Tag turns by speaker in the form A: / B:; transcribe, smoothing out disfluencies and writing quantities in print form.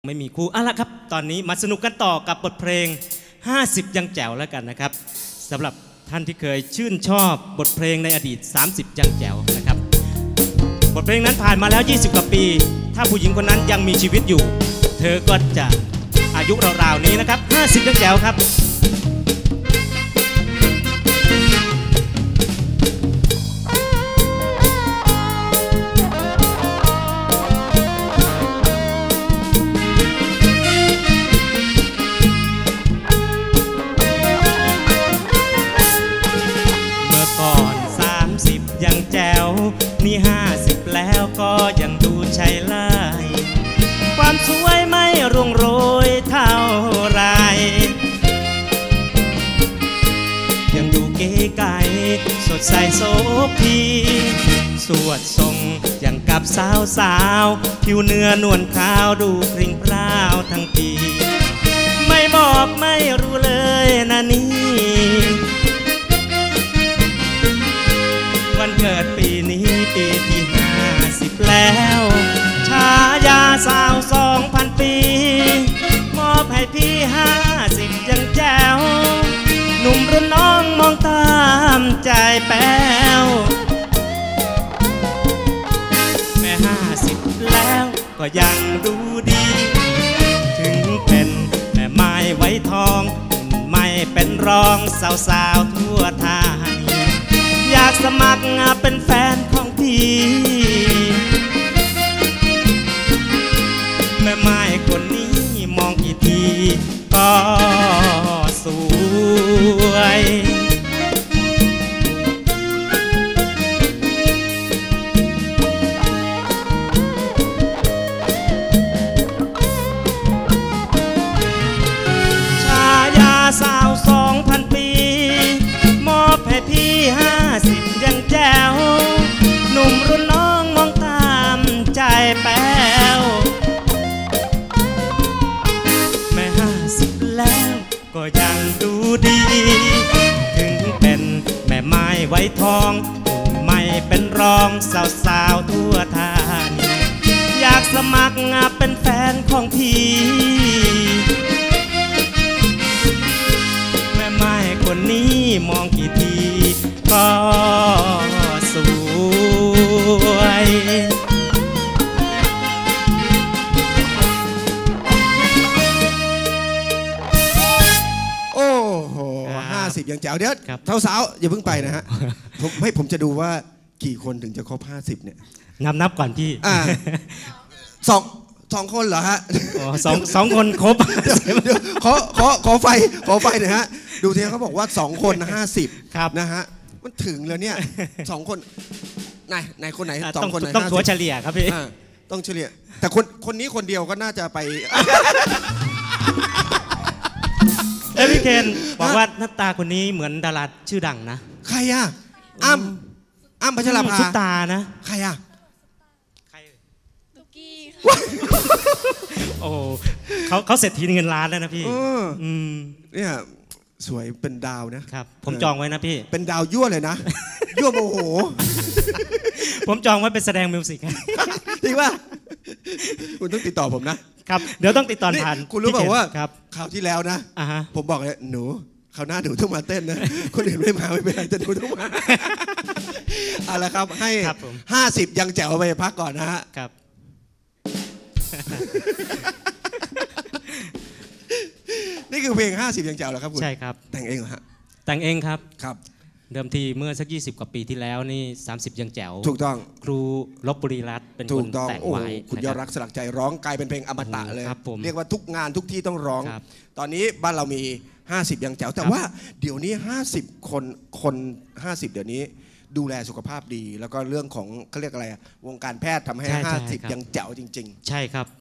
A: ไม่มีครูละครับตอนนี้มาสนุกกันต่อกับบทเพลง50ยังแจ๋วแล้วกันนะครับสำหรับท่านที่เคยชื่นชอบบทเพลงในอดีต30ยังแจ๋วนะครับบทเพลงนั้นผ่านมาแล้ว20กว่าปีถ้าผู้หญิงคนนั้นยังมีชีวิตอยู่เธอก็จะอายุราวๆนี้นะครับ50ยังแจ๋วครับยังแจ๋วนี่50แล้วก็ยังดูใช่ไล่ความสวยไม่ร่วงโรยเท่าไรยังดูเก๋ไก๋สดใสโสภีสวดทรงอย่างกับสาวผิวเนื้อนวลขาวดูพริ้งพร้าวทั้งปีไม่บอกไม่รู้เลยนะนี่วันเกิดปีนี้ปีที่50แล้วฉายาสาว2,000 ปีมอบให้พี่50ยังแจ๋วหนุ่มรุ่นน้องมองตามใจแป้วแม่50แล้วก็ยังดูดีถึงเป็นแม่ไม้ไว้ทองไม่เป็นรองสาวๆทั่วไทยอยากสมัครเป็นแฟนของพี่แม่ไม้คนนี้มองกี่ทีก็สวยฉายาสาว2,000 ปีมอบให้พี่50ยังแจ๋วหนุ่มรุ่นน้องมองตามใจแป้วแม่50แล้วก็ยังดูดีถึงเป็นแม่ไม้ไว้ทองไม่เป็นรองสาวๆทั่วไทยอยากสมัครเป็นแฟนของพี่แม่ไม้คนนี้มองกี่ทีก็สวย
B: โอ้โห50ยังแจ๋วเดี๋ยวสาวๆอย่าเพิ่งไปนะฮะผมจะดูว่ากี่คนถึงจะครบ50เนี่ย
A: นับก่อนพี่
B: สองคนเหรอฮะ
A: สองคนครบ
B: เดี๋ยวขอไฟหน่อยฮะดูทีเขาบอกว่า2คน50
A: ครับ
B: นะฮะมันถึงแล้วเนี่ย2คนไหนคนไหน2คนไหน
A: ต้องถัวเฉลี่ยครับพี่
B: ต้องเฉลี่ยแต่คนนี้คนเดียวก็น่าจะไป
A: พี่เคนบอกว่าหน้าตาคนนี้เหมือนดาราชื่อดังนะ
B: ใครอ่ะอ้ำพัชราภา
A: ซุปตานะ
B: ใครอ่ะ
C: ตุ๊กกี้
A: โอ้เขาเสร็จทีเงินล้านแล้วนะพี่
B: เนี่ยสวยเป็นดาวนะครับ
A: ผมจองไว้นะพี่
B: เป็นดาวยั่วเลยนะยั่วโมโห
A: ผมจองไว้เป็นแสดงมิวสิก
B: จริงป่ะคุณต้องติดต่อผม
A: นะครับเดี๋ยวต้องติดต่อผ่าน
B: คุณรู้เปล่าว่าคราวที่แล้วนะผมบอกเลยหนูคราวหน้าหนูต้องมาเต้นนะคนอื่นไม่มาไม่เป็นไรแต่หนูต้องมาเอาละครับให้50ยังแจ๋วไปพักก่อนนะฮะ
A: ครับ
B: นี่คือเพลง50ยังแจ๋วเหรอครับคุณ
A: ใช่ครับ
B: แต่งเองเหรอฮะ
A: แต่งเองครับ
B: ครับ
A: เดิมทีเมื่อสัก20กว่าปีที่แล้วนี่30ยังแจ๋ว
B: ถูกต้อง
A: ครูลบบุรีรัตน์เป็นคนแต่งไว้
B: คุณยอดรักสลักใจร้องกลายเป็นเพลงอมตะเลยเรียกว่าทุกงานทุกที่ต้องร้องตอนนี้บ้านเรามี50ยังแจ๋วแต่ว่าเดี๋ยวนี้50คน50เดี๋ยวนี้ดูแลสุขภาพดีแล้วก็เรื่องของเขาเรียกอะไรวงการแพทย์ทำให้50ยังแจ๋วจริงๆ
A: ใช่ครับ